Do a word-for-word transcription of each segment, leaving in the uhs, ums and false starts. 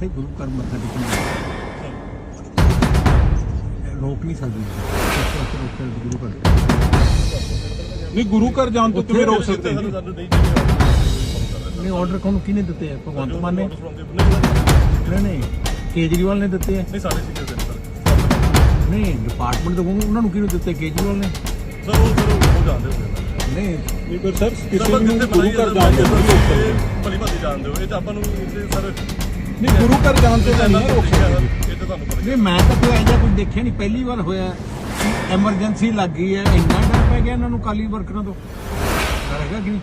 ਇੱਥੇ ਗੁਰੂ ਘਰ ਮੱਥਾ ਟੇਕਣ ਰੋਕ ਨਹੀਂ ਸਕਦੇ ਗੁਰੂ ਘਰ ਨਹੀਂ ਗੁਰੂ ਘਰ ਜਾਣ ਤੋਂ ਕਿਵੇਂ ਰੋਕ ਸਕਦੇ ਜੀ ਨਹੀਂ ਆਰਡਰ ਕੋਣ ਕਿਹਨੇ ਦਿੱਤੇ ਹੈ ਭਗਵੰਤ ਮਾਨ ਨੇ ਨਹੀਂ ਨਹੀਂ ਕੇਜਰੀਵਾਲ ਨੇ ਦਿੱਤੇ ਹੈ ਨਹੀਂ ਸਾਡੇ ਸੀਨੀਅਰ ਨੇ ਸਰ ਨਹੀਂ ਡਿਪਾਰਟਮੈਂਟ ਤੋਂ ਉਹਨਾਂ ਨੂੰ ਕਿਹਨੂੰ ਦਿੱਤੇ ਕੇਜਰੀਵਾਲ ਨੇ ਸਰ ਉਹ ਸਰ ਉਹ ਜਾਣਦੇ ਹੋ ਨਹੀਂ ਨਹੀਂ ਪਰ ਸਰ ਕਿਸੇ ਨੂੰ ਗੁਰੂ ਘਰ ਜਾਣ ਤੋਂ ਨਹੀਂ ਰੋਕ ਸਕਦੇ ਭਲੀ ਭਾਦੀ ਜਾਣਦੇ ਹੋ ਇਹ ਤਾਂ ਆਪਾਂ ਨੂੰ ਸਰ ਨਹੀਂ ਗੁਰੂ ਘਰ ਜਾਣ ਤੋਂ ਤਾਂ ਨਹੀਂ ਰੋਕ ਸਕਦੇ ਇਹ ਤਾਂ ਤੁਹਾਨੂੰ ਪਤਾ ਨਹੀਂ ਮੈਂ ਤਾਂ ਕੋਈ ਐਜਾ ਕੁਝ ਦੇਖਿਆ ਨਹੀਂ ਪਹਿਲੀ ਵਾਰ ਹੋਇਆ ਐਮਰਜੈਂਸੀ ਲੱਗ ਗਈ ਹੈ ਇੰਨਾ ਡਰ ਪੈ ਗਿਆ ਇਹਨਾਂ ਨੂੰ ਕਾਲੀ ਵਰਕਰਾਂ ਤੋਂ ਹੈਗਾ ਕਿ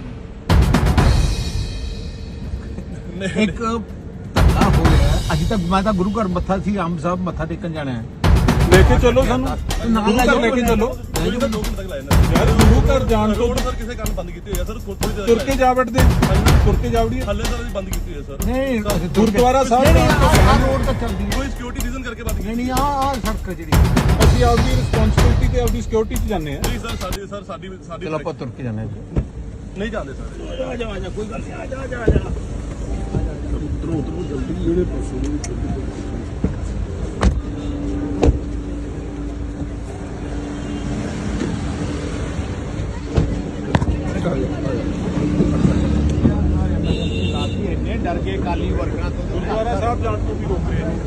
ਨਹੀਂ ਇੱਕ ਧੱਕਾ ਹੋ ਰਿਹਾ ਅੱਜ ਤੱਕ ਮੈਂ ਤਾਂ ਗੁਰੂ ਘਰ ਮੱਥਾ ਸੀ ਆਮ ਸਾਹਿਬ ਮੱਥਾ ਟੇਕਣ ਜਾਣਾ ਹੈ ਲੈ ਕੇ ਚੱਲੋ ਸਾਨੂੰ ਨਾਲ ਗੁਰੂ ਘਰ ਲੈ ਕੇ ਚੱਲੋ ਦੋ ਘੰਟੇ ਤੱਕ ਲਾਏ ਨੇ ਯਾਰ ਗੁਰੂ ਘਰ ਜਾਣ ਤੋਂ ਰੋਡ ਸਰ ਕਿਸੇ ਕਾਰਨ ਬੰਦ ਕੀਤੀ ਹੋਈ ਹੈ ਸਰ ਥੋੜੀ ਦੇਰ ਤੁਰ ਕੇ ਜਾ ਵੜਦੇ ਤੁਰ ਕੇ ਜਾ ਵੜੀਏ ਹੱਲੇ ਸਰ ਬੰਦ ਕੀਤੀ ਹੋਈ ਹੈ ਸਰ ਨਹੀਂ ਗੁਰਦੁਆਰਾ ਸਾਹਿਬ ਨਹੀਂ ਆਹ ਰੋਡ ਤਾਂ ਚੱਲਦੀ ਹੈ ਕੋਈ ਸਿਕਿਉਰਿਟੀ ਰੀਜ਼ਨ ਕਰਕੇ ਬੰਦ ਕੀਤੀ ਨਹੀਂ ਨਹੀਂ ਆਹ ਆਹ ਸੜਕ ਹੈ ਜਿਹੜੀ ਅਸੀਂ ਆਪਦੀ ਰਿਸਪੌਂਸਿਬਿਲਟੀ ਤੇ ਆਪਦੀ ਸਿਕਿਉਰਿਟੀ 'ਚ ਜਾਂਦੇ ਆ ਨਹੀਂ ਸਰ ਸਾਡੀ ਸਰ ਸਾਡੀ ਸਾਡੀ ਚਲੋ ਆਪਾਂ ਤੁਰ ਕੇ ਜਾਣਾ ਨਹੀਂ ਜਾਂਦੇ ਸਰ ਆ ਜਾ ਆ ਜਾ ਕੋਈ ਗੱਲ ਨਹੀਂ ਆ ਜਾ ਆ ਜਾ ਆ ਜਾ ਉਤਰੋ ਉਤਰੋ ਜਲਦੀ ਜਿਹੜੇ ਪਾਸੇ ਇੰਨੇ ਡਰ ਕੇ ਕਾਲੀ ਵਰਕਰਾਂ ਤੋਂ ਗੁਰਦੁਆਰਾ ਸਾਹਿਬ ਜਾਣ ਤੋਂ ਵੀ ਰੋਕ ਰਹੇ ਨੇ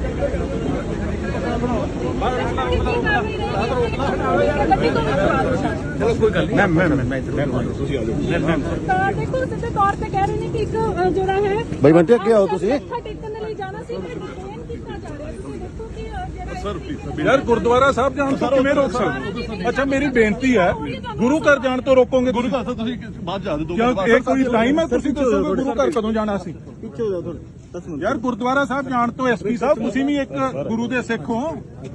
ਚਲੋ ਕੋਈ ਗੱਲ ਨਹੀਂ ਮੈਂ ਮੈਂ ਮੈਂ ਤੁਸੀਂ ਆ ਜਾਓ ਤਾਂ ਦੇਖੋ ਸਿੱਧੇ ਤੌਰ ਤੇ ਕਹਿ ਰਹੇ ਨੇ ਕਿ ਇੱਕ ਅ, ਜਿਹੜਾ ਹੈ ਬਈ ਬੰਟੇ ਅੱਗੇ ਆਓ ਤੁਸੀਂ ਮੱਥਾ ਟੇਕਣ ਦੇ ਲਈ ਜਾਣਾ ਸੀ ਮੈਂ ਡਿਟੇਨ ਕੀਤਾ ਜਾ ਰਿਹਾ ਤੁਸੀਂ ਦੇਖੋ ਕਿ ਅ, ਜਿਹੜਾ ਸਰ ਯਾਰ ਗੁਰਦੁਆਰਾ ਸਾਹਿਬ ਜਾਣ ਤੋਂ ਕਿਵੇਂ ਰੋਕ ਸਕਦੇ ਅੱਛਾ ਮੇਰੀ ਬੇਨਤੀ ਹੈ ਗੁਰੂ ਘਰ ਜਾਣ ਤੋਂ ਰੋਕੋਗੇ ਗੁਰੂ ਘਰ ਸਰ ਤੁਸੀਂ ਬਾਅਦ ਜਾ ਦੇ ਦੋ ਕਿਉਂ ਇਹ ਕੋਈ ਟਾਈਮ ਹੈ ਤੁਸੀਂ ਦੱਸੋਗੇ ਗੁਰੂ ਘਰ ਕਦੋਂ ਜਾਣਾ ਸੀ ਪਿੱਛੇ ਹੋ ਜਾਓ ਥੋੜੇ ਦਸ ਮਿੰਟ ਯਾਰ ਗੁਰਦੁਆਰਾ ਸਾਹਿਬ ਜਾਣ ਤੋਂ ਐਸਪੀ ਸਾਹਿਬ ਤੁਸੀਂ ਵੀ ਇੱਕ ਗੁਰੂ ਦੇ ਸਿੱਖ ਹੋ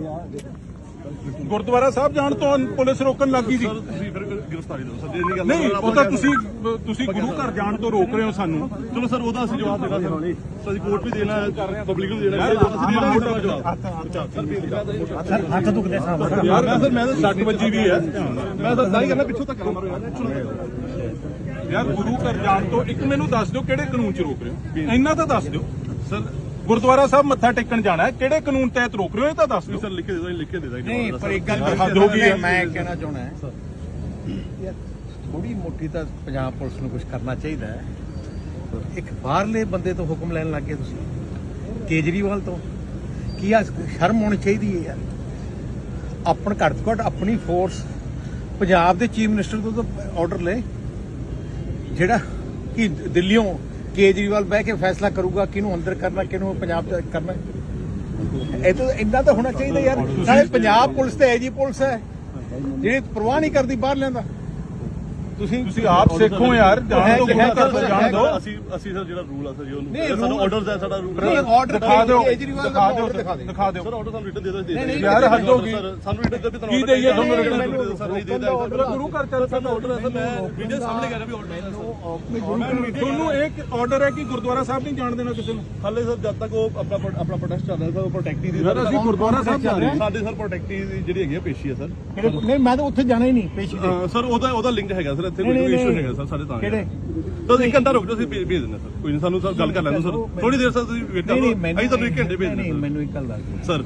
ਗੁਰਦੁਆਰਾ ਸਾਹਿਬ ਜਾਣ ਤੋਂ ਪੁਲਿਸ ਰੋਕਣ ਲੱਗੀ ਸੀ ਸਰ ਤੁਸੀਂ ਫਿਰ ਗ੍ਰਿਫਤਾਰੀ ਦਿਓ ਸਰ ਜੇ ਨਹੀਂ ਗੱਲ ਨਹੀਂ ਉਹ ਤਾਂ ਤੁਸੀਂ ਤੁਸੀਂ ਗੁਰੂ ਘਰ ਜਾਣ ਤੋਂ ਰੋਕ ਰਹੇ ਹੋ ਸਾਨੂੰ ਚਲੋ ਸਰ ਉਹਦਾ ਅਸੀਂ ਜਵਾਬ ਦੇਣਾ ਸਰ ਅਸੀਂ ਕੋਰਟ ਵੀ ਦੇਣਾ ਹੈ ਪਬਲਿਕ ਨੂੰ ਦੇਣਾ ਹੈ ਅਸੀਂ ਦੇਣਾ ਮੋਟਾ ਜਵਾਬ ਹੱਥ ਦੁਖਦੇ ਸਾਹਿਬ ਯਾਰ ਮੈਂ ਸਰ ਮੈਂ ਤਾਂ ਸੱਟ ਵੱਜੀ ਵੀ ਹੈ ਮੈਂ ਤਾਂ ਦਾਈ ਕਰਨਾ ਪਿੱਛੋਂ ਤੱਕ ਮਾਰੋ ਯਾਰ ਯਾਰ ਗੁਰੂ ਘਰ ਜਾਣ ਤੋਂ ਇੱਕ ਮੈਨੂੰ ਦੱਸ ਦਿਓ ਕਿਹੜੇ ਕਾਨੂੰਨ 'ਚ ਰੋਕ ਰਹੇ ਹੋ ਇੰਨਾ ਤਾਂ ਦੱਸ ਦਿਓ ਸਰ ਗੁਰਦੁਆਰਾ ਸਾਹਿਬ ਮੱਥਾ ਟੇਕਣ ਜਾਣਾ ਹੈ ਕਿਹੜੇ ਕਾਨੂੰਨ ਤਹਿਤ ਰੋਕ ਰਹੇ ਹੋ ਇਹ ਤਾਂ ਦੱਸ ਦਿਓ ਸਰ ਲਿਖ ਕੇ ਦੇ ਦੋ ਲਿਖ ਕੇ ਦੇ ਦਾਂਗੇ ਨਹੀਂ ਪਰ ਇੱਕ ਗੱਲ ਹੱਦ ਹੋ ਗਈ ਹੈ। ਮੈਂ ਕਹਿਣਾ ਚਾਹੁੰਦਾ ਹੈ ਯਾਰ ਥੋੜੀ ਮੋਟੀ ਤਾਂ ਪੰਜਾਬ ਪੁਲਿਸ ਨੂੰ ਕੁਝ ਕਰਨਾ ਚਾਹੀਦਾ ਹੈ ਇੱਕ ਬਾਹਰਲੇ ਬੰਦੇ ਤੋਂ ਹੁਕਮ ਲੈਣ ਲੱਗ ਗਏ ਤੁਸੀਂ ਕੇਜਰੀਵਾਲ ਤੋਂ ਕੀ ਆ ਸ਼ਰਮ ਹੋਣੀ ਚਾਹੀਦੀ ਹੈ ਯਾਰ ਆਪਣ ਘੱਟ ਤੋਂ ਘੱਟ ਆਪਣੀ ਫੋਰਸ ਪੰਜਾਬ ਦੇ ਚੀਫ ਮਿਨਿਸਟਰ ਤੋਂ ਤਾਂ ਆਰਡਰ ਲੈ ਜਿਹੜਾ ਕਿ ਦਿੱਲੀੋਂ ਕੇਜਰੀਵਾਲ ਬਹਿ ਕੇ ਫੈਸਲਾ ਕਰੂਗਾ ਕਿਹਨੂੰ ਅੰਦਰ ਕਰਨਾ ਕਿਹਨੂੰ ਪੰਜਾਬ ਚ ਕਰਨਾ ਇਹ ਤਾਂ ਇੰਨਾ ਤਾਂ ਹੋਣਾ ਚਾਹੀਦਾ ਯਾਰ ਨਾਲੇ ਪੰਜਾਬ ਪੁਲਿਸ ਤੇ ਐਜੀ ਪੁਲਿਸ ਹੈ ਜਿਹੜੀ ਪਰਵਾਹ ਨਹੀਂ ਕਰਦੀ ਬਾਹਰ ਲਿਆਂਦਾ ਤੁਸੀਂ ਤੁਸੀਂ ਆਪ ਸਿੱਖੋ ਯਾਰ ਜਾਣ ਤੋਂ ਗੁਰੂ ਘਰ ਤੋਂ ਜਾਣ ਦਿਓ ਅਸੀਂ ਅਸੀਂ ਸਰ ਜਿਹੜਾ ਰੂਲ ਆ ਸਰ ਜੀ ਨਹੀਂ, ਉਹਨੂੰ ਸਾਡਾ rule- ਆਰਡਰਸ ਹੈ ਸਾਡਾ ਰੂਲ ਨਹੀਂ ਆਰਡਰ ਦਿਖਾ ਦਿਓ ਕੇਜਰੀਵਾਲ ਦਾ ਦਿਖਾ ਦਿਓ order ਦਿਖਾ ਦੇ ਦਿਖਾ ਦਿਓ ਸਰ ਆਰਡਰ ਸਾਨੂੰ ਰਿਟਨ ਦੇ ਦੋ ਨਹੀਂ, ਨਹੀਂ, ਯਾਰ ਹੱਦ ਹੋ ਗਈ ਸਰ ਸਾਨੂੰ ਰਿਟਨ ਦੇ ਵੀ ਤੁਹਾਨੂੰ ਕੀ ਦੇਈਏ ਤੁਹਾਨੂੰ order ਰਿਟਨ ਮੈਨੂੰ ਸਰ ਨਹੀਂ ਦੇ ਆਰਡਰ ਗੁਰੂ ਘਰ ਚੱਲ ਸਾਡਾ ਆਰਡਰ ਹੈ ਸਰ ਮੈਂ ਵੀਡੀਓ ਸਾਹਮਣੇ ਕਰ ਰਿਹਾ ਵੀ ਆਰਡਰ ਹੈ ਤੁਹਾਨੂੰ ਇੱਕ ਆਰਡਰ ਹੈ ਕਿ ਗੁਰਦੁਆਰਾ ਸਾਹਿਬ ਨਹੀਂ ਜਾਣ ਦੇਣਾ ਕਿਸੇ ਨੂੰ ਹਾਲੇ ਸਰ ਜਦ ਤੱਕ ਉਹ ਆਪਣਾ ਆਪਣਾ ਪ੍ਰੋਟੈਸਟ ਚੱਲ ਰਿਹਾ ਸਰ ਉਹ ਪ੍ਰੋਟੈਕਟੀ ਦੀ ਯਾਰ ਅਸੀਂ ਗੁਰਦੁਆਰਾ ਸਾਹਿਬ ਜਾ ਰਹੇ ਹਾਂ ਸਾਡੇ ਸਰ ਪ੍ਰੋਟੈਕਟੀ ਦੀ ਜਿਹੜੀ ਹੈਗੀ ਆ ਪੇਸ਼ੀ ਹੈ ਸਰ ਨਹੀਂ ਮੈਂ ਤਾਂ ਉੱਥੇ ਜਾਣਾ ਹੀ ਨਹੀਂ ਪੇਸ਼ੀ ਤੇ ਸਰ ਉਹਦਾ ਉਹਦਾ ਲਿੰਕ ਹੈਗਾ ਸਰ ਇੱਥੇ ਨਹੀਂ, ਕੋਈ ਨਹੀਂ, ਇਸ਼ੂ ਨਹੀਂ। ਹੈਗਾ ਸਰ ਸਾਡੇ ਤਾਂ ਕਿਹੜੇ ਤਾਂ ਇੱਕ ਘੰਟਾ ਰੁਕ ਜਾਓ ਅਸੀਂ ਭੇਜ ਭੇਜ ਦਿੰਦੇ ਸਰ ਕੋਈ ਨਹੀਂ ਸਾਨੂੰ ਸਰ ਗੱਲ ਕਰ ਲੈਣ ਦਿਓ ਸਰ ਥੋੜੀ ਦੇਰ ਸਰ ਤੁਸੀਂ ਵੇਟ ਨਹੀਂ ਕਰੋ ਨਹੀਂ ਮੈਨੂੰ ਅਸੀਂ ਤੁਹਾਨੂੰ ਇੱਕ ਘੰਟੇ ਭੇਜ ਨਹੀਂ ਦਿੰਦੇ ਮੈਨੂੰ ਇੱਕ ਗੱਲ ਦੱਸ ਦਿਓ ਸਰ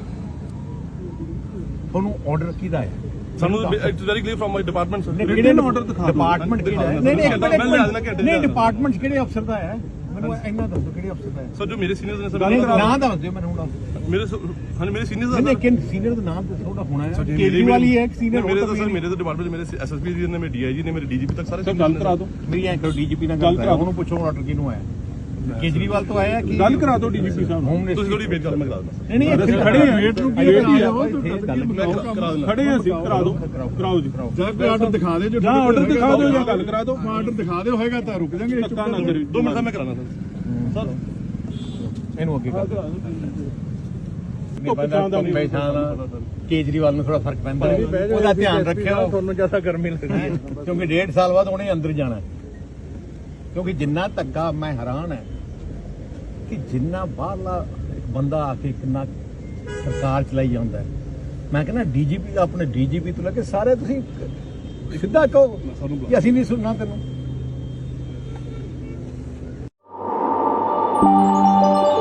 ਤੁਹਾਨੂੰ ਆਰਡਰ ਕਿਹਦਾ ਹੈ ਸਾਨੂੰ it's very clear from my department sir ਕਿਹੜੇ ਨੂੰ order ਦਿਖਾ ਦਿਓ। ਡਿਪਾਰਟਮੈਂਟ ਕਿਹੜਾ ਹੈ ਨਹੀਂ ਨਹੀਂ ਇੱਕ ਮੈਂ ਲਿਆ ਦੇਣਾ ਮਿੰਟ ਘੰਟੇ ਨਹੀਂ ਚ। ਡਿਪਾਰਟਮੈਂਟ ਕਿਹੜੇ ਅਫਸਰ ਦਾ ਹੈ ਮੈਨੂੰ ਇੰਨਾ ਦੱਸੋ ਕਿਹੜੇ ਅਫਸਰ ਦਾ ਹੈ ਸਰ ਜੋ ਮੇਰੇ ਸੀਨੀਅਰਸ ਨੇ ਸਰ ਨਹੀਂ ਨਾਂ ਦੱਸ ਦਿਓ ਮੈਨੂੰ ਹੁਣ ਮੇਰੇ ਹਾਂ ਮੇਰੇ ਸੀਨੀਅਰਸ ਨਹੀਂ ਨਹੀਂ ਕਿਨ ਸੀਨੀਅਰ ਦਾ ਨਾਮ ਦੱਸੋ ਉਹਦਾ ਹੋਣਾ ਹੈ ਕੇਜਰੀਵਾਲ ਹੀ ਹੈ ਇੱਕ ਸੀਨੀਅਰ ਮੇਰੇ ਤਾਂ ਸਰ ਮੇਰੇ ਤਾਂ ਡਿਪਾਰਟਮੈਂਟ ਮੇਰੇ ਐਸਐਸਪੀ ਜੀ ਨੇ ਮੇਰੇ ਡੀਆਈਜੀ ਨੇ ਮੇਰੇ ਡੀਜੀਪੀ ਤੱਕ ਸਾਰੇ ਸਰ ਗੱਲ ਕਰਾ ਦਿਓ ਮੇਰੀ ਐਂ ਕਰੋ ਡੀਜੀਪੀ ਨਾਲ ਗੱਲ ਕਰਾਓ ਉਹਨੂੰ ਪੁੱਛੋ ਆਰਡਰ ਕਿਹਨੂੰ ਆਇਆ ਕੇਜਰੀਵਾਲ ਤੋਂ ਆਇਆ ਕਿ ਗੱਲ ਕਰਾ ਦਿਓ ਡੀਜੀਪੀ ਸਾਹਿਬ ਨੂੰ ਹੋਮ ਤੁਸੀਂ ਥੋੜੀ ਵੇਟ ਕਰੋ ਮੈਂ ਕਰਾ ਦਿੰਦਾ ਨਹੀਂ ਨਹੀਂ ਅਸੀਂ ਖੜੇ ਹਾਂ ਵੇਟ ਨੂੰ ਕੀ ਵੇਟ ਵੇਟ ਹੀ ਆ ਕਰਾ ਦਿੰਦਾ ਖੜੇ ਹਾਂ ਅਸੀਂ ਕਰਾ ਦਿਓ ਕਰਾਓ ਜੀ ਜਾਂ ਕੋਈ ਆਰਡਰ ਦਿਖਾ ਦੇ ਜੋ ਜਾਂ ਆਰਡਰ ਦਿਖਾ ਦਿਓ ਜਾਂ ਗੱਲ ਕਰਾ ਦਿਓ ਆਰਡਰ ਦਿਖਾ ਦਿਓ ਹੋਏਗਾ ਤਾਂ ਰੁਕ ਜਾਾਂਗੇ ਧੱਕਾ ਨਾ ਕਰੀ ਦੋ ਮਿੰਟ ਦਾ ਮੈਂ ਕਰਾਣਾ ਸਰ ਇਹਨੂੰ ਅੱਗੇ ਕਰ ਧੁੱਪ ਛਾਂ ਦਾ ਨਹੀਂ। ਕੇਜਰੀਵਾਲ ਨੂੰ ਥੋੜਾ ਫਰਕ ਪੈਂਦਾ ਉਹਦਾ ਧਿਆਨ ਰੱਖਿਓ ਤੁਹਾਨੂੰ ਜ਼ਿਆਦਾ ਗਰਮੀ ਲੱਗਦੀ ਹੈ ਕਿਉਂਕਿ ਡੇਢ ਸਾਲ ਬਾਅਦ ਉਹਨੇ ਅੰਦਰ ਜਾਣਾ ਕਿਉਂਕਿ ਜਿੰਨਾ ਧੱਕਾ ਮੈਂ ਹੈਰਾਨ ਹੈ ਕਿ ਜਿੰਨਾ ਬਾਹਰਲਾ ਇੱਕ ਬੰਦਾ ਆ ਕੇ ਕਿੰਨਾ ਸਰਕਾਰ ਚਲਾਈ ਜਾਂਦਾ ਹੈ ਮੈਂ ਕਹਿੰਦਾ ਡੀਜੀਪੀ ਦਾ ਆਪਣੇ ਡੀਜੀਪੀ ਤੋਂ ਲੈ ਕੇ ਸਾਰੇ ਤੁਸੀਂ ਸਿੱਧਾ ਕਹੋ ਕਿ ਅਸੀਂ ਨਹੀਂ ਸੁਣਨਾ ਤੈਨੂੰ